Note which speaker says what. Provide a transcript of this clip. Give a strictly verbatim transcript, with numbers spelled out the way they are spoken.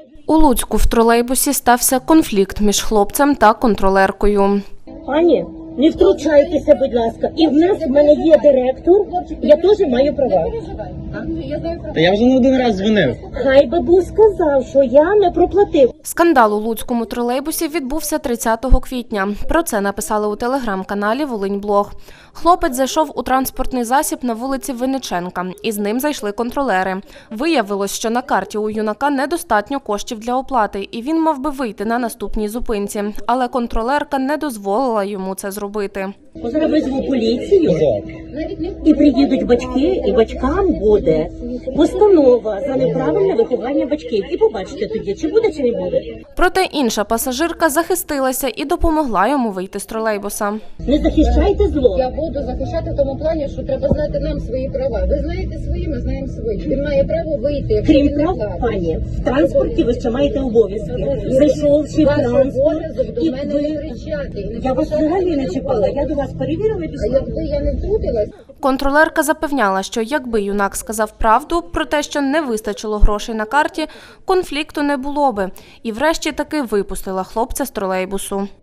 Speaker 1: У Луцьку в тролейбусі стався конфлікт між хлопцем та контролеркою.
Speaker 2: Пані, не втручайтеся, будь ласка. І в нас, в мене є директор, я теж маю права.
Speaker 3: Та я вже не один раз дзвонив.
Speaker 2: Хай би був сказав, що я не проплатив.
Speaker 1: Скандал у луцькому тролейбусі відбувся тридцятого квітня. Про це написали у телеграм-каналі «Волиньблог». Хлопець зайшов у транспортний засіб на вулиці Винниченка, і з ним зайшли контролери. Виявилось, що на карті у юнака недостатньо коштів для оплати, і він мав би вийти на наступній зупинці. Але контролерка не дозволила йому це зробити.
Speaker 2: Зараз визву поліцію, і приїдуть батьки, і батькам буде постанова за неправильне виховання батьків. І побачите тоді, чи буде, чи не буде.
Speaker 1: Проте інша пасажирка захистилася і допомогла йому вийти з тролейбуса.
Speaker 2: Не захищайте зло.
Speaker 4: Я буду захищати в тому плані, що треба знати нам свої права. Ви знаєте свої, ми знаємо свої. Він має право вийти. Якщо
Speaker 2: Крім
Speaker 4: він не
Speaker 2: прав,
Speaker 4: платить.
Speaker 2: пані, в транспорті ви ще маєте обов'язки. Зайшовши в
Speaker 4: Ваш
Speaker 2: транспорт,
Speaker 4: обов'язок до
Speaker 2: і
Speaker 4: мене
Speaker 2: ви...
Speaker 4: не кричати. і не
Speaker 2: Я вас
Speaker 4: кричати
Speaker 2: взагалі не
Speaker 4: на
Speaker 2: чіпала.
Speaker 4: голову.
Speaker 2: Я до вас перевірила і
Speaker 4: А
Speaker 2: пішла.
Speaker 4: якби я не втрутилась,
Speaker 1: Контролерка запевняла, що якби юнак сказав правду про те, що не вистачило грошей на карті, конфлікту не було би. І врешті таки випустила хлопця з тролейбусу.